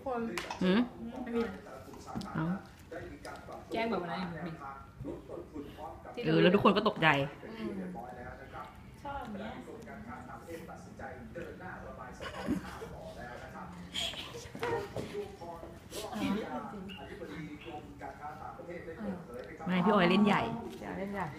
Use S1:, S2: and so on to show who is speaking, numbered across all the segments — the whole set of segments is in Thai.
S1: คนไม่มีแจ้งแบบนั้น
S2: แล้วทุกคนก็ตกใจ
S1: ชอบเนี้ย
S2: ไม่พี่ออยเล่นใหญ่
S1: เล่นใหญ่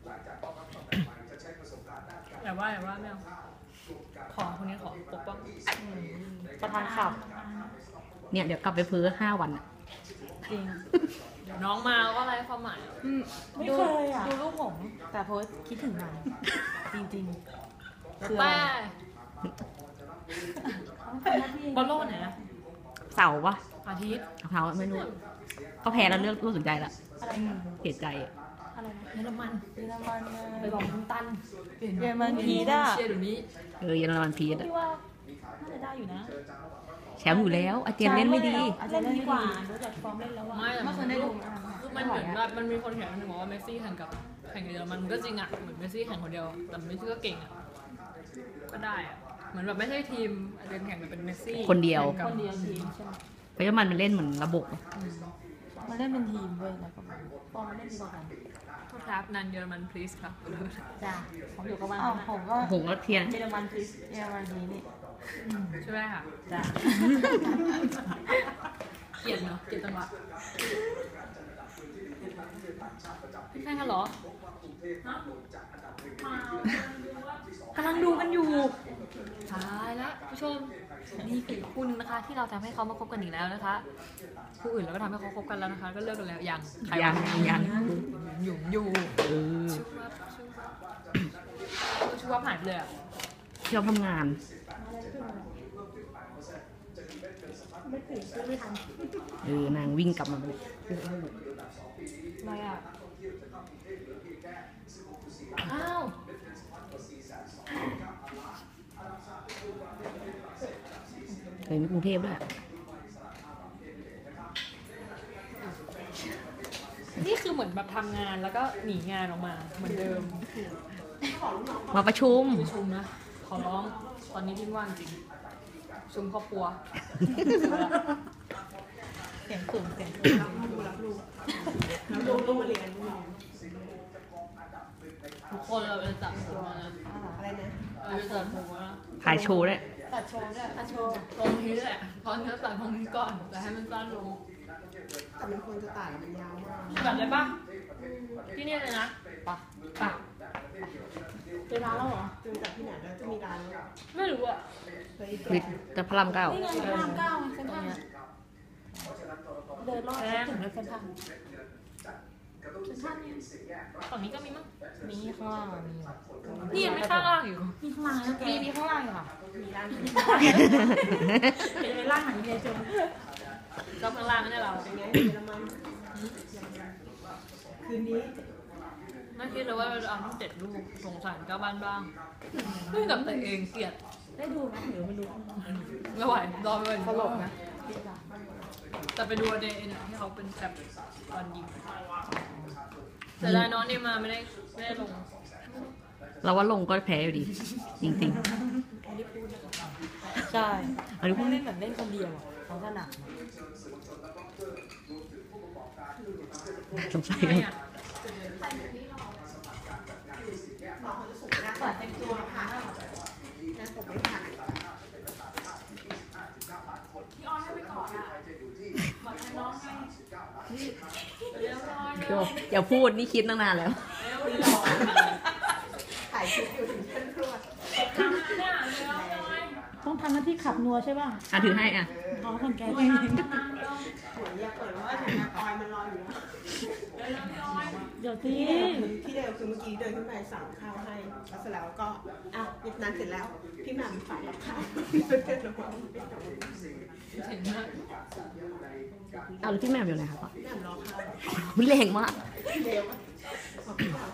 S1: แต่ว่าไม่เอาของคนนี้ขอปกป้องประธานขับ
S2: เนี่ยเดี๋ยวกลับไปเพ้อ5 วัน
S1: จริงเดี๋ยวน้องมาก็อะไรความหมาย
S3: ไม่เคยอ่ะดูรูปผมแต่โพสคิดถึงมันจริงๆคือ
S1: ป้าบอลโลกไหนนะ
S2: เสาร์ปะ
S1: อาทิตย์
S2: เสาร์ไม่รู้ก็แพ้แล้วเลือกรู้สนใจละเสียใจ
S3: อะไร
S1: เยอรมันไปบอกคุณตัน
S3: เยอรมันพีด้า
S1: เชียร์เดี๋ยวนี้
S2: เยอรมันพีด
S3: พี่ว่าน่าจะได้อยู่นะ
S2: แชมป์อยู่แล้วอาเจนเล่นไม่ดี
S3: อาเจนเล่นดีกว่าดูจากฟอร์มเล่นแล้ว
S1: ไม่เคยได้ดูมันเหมือนแบบมันมีคนเขียนหนึ่งบอกว่าเมสซี่แข่งกับเยอรมันก็จริงอ่ะเหมือนเมสซี่แข่งคนเดียวแต่เมสซี่ก็เก่งอ่ะก็ได้อ่ะเหมือนแบบไม่ใช่ทีมอาเจนแข่งแต่เป็นเมสซี่
S2: คนเดียว
S3: ทีมใช่ไหม
S2: เพราะว่ามันเล่นเหมือนระบบ
S3: มันเล่นเป็นทีมด้วยแล้วก็ฟอร์มมันเล่นดีกว่ากัน
S1: ครับนันเยอรมัน please ครับ
S3: จ้าผมอยู่กับมัน
S2: ผมก็เทียน
S3: เยอรมัน please เยอรมันนี้นี่
S1: ใช่ไหมค่ะ
S3: จ้า
S1: เกลียดเนาะเกลียดจังหวะแข่งกันเหรอกำลังดูกันอยู่ตายแล้วผู้ชมนี่คือคู่นึงนะคะที่เราทำให้เขามาคบกันอีกแล้วนะคะคู่อื่นเราก็ทำให้เขาคบกันแล้วนะคะก็เลิกกันแล้วยังอยู่ชูวับหายไปเลยอ่ะ
S2: ชอบทำงานนางวิ่งกลับมาเลย
S1: อะไรอ่ะอ้าว
S2: เคยมีกรุงเทพด้วย
S1: นี่คือเหมือนแบบทำงานแล้วก็หนีงานออกมาเหมือนเดิม
S2: มาประชุม
S1: นะขอร้องตอนนี้ที่ว่างจริงประชุมครอบครัว
S3: เสียงสูงรับลูกมาเรียน
S1: ทุกคนเราเป็นจับหัวนะ
S3: อะไรนะ
S1: เป็นจับหัว
S2: ถ่ายโชว์ด้วย
S3: ตัดโชว์ด้วย
S1: ลงทีแหละตอนนี้ตัดตรงนี้ก่อนแต่ให้มันสั้นลง
S3: แต่มันควรจะตัดมันยาวมาก
S1: ตัดเลยปะที่นี่เลยนะปะ
S3: เจอร้านแล้วเหรอเจอจากที่ไหนแล้วจะมีร้านแล้ว
S1: ไม่รู้อ่ะ
S2: จะพระราม 9
S3: นี่ไงพระราม 9เส้นทางเดินรอบถึงเส้นทาง
S1: ฝั่งนี้ก็มีมั้ง
S3: มีข้างล่าง
S1: นี่ยังไม่ข้างล่างอยู่
S3: มีข้างล่างแล้วแกมีข้างล่างอยู่ค่ะมีร้านเป็นร้านไหนเดียวจน
S1: ก็ข้างล่างนี่เรา
S3: เป็นไงเยอรมันคืนนี้
S1: ไม่คิดเลยว่าเราจะเอาทั้ง7 ลูกสงสารเจ้าบ้านบ้างไม่กับตัวเองเกลียด
S3: ได้ดูไหมหรือไม่ดู
S1: ไม่ไหวรอไป
S3: ตลกนะ
S1: แต่ไปดูเดย์ที่เขาเป็นแบบตอนยิงแต่ได้น้องนี่มาไม่ได้ลง
S2: เราว่าลงก็แพ้อยู่ดีจริง
S3: ๆใช่เขาเล่นเหมือนเล่นคนเดียวเขาถนัด
S2: สงสัยอย่าพูดนี่คิดตั้งนานแล้ว
S3: ถ่ายคลิปอยู่ถึงเพื่อนครัวต้องทำหน้าที่ขับนัวใช่ป่ะ
S2: ถือให้
S3: อ๋อคนแก่เองอยากเปิดว่าถึงออยมันรออยู่เดี๋ยวที่เดียวคือเมื่อกี้เดินขึ้นไปสั่งข้าวให้แล้วเสร็จแล้วก็นั้นเสร็จแล้วพี่แหม่มฝากรับข้าวเป็นระวัง
S2: แล้วพี่แหม่มอยู่ไหนคะ
S3: พี่แหม่มรอข้าว
S2: แรงมาก
S3: เร็วพี่แหม่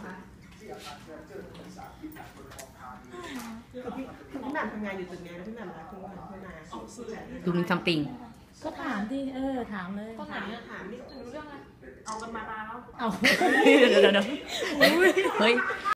S3: มทำงานอยู่จุดนี้แล้วพี่แหม่มรักคุณวันเข้ามา
S2: ดูมีซัมติง
S3: ก็ถามที่ถามเลย
S1: ก็ถามนี่รู้เรื่องอะไรเอากันมานานแล้ว
S2: เดี๋ยวเฮ้ย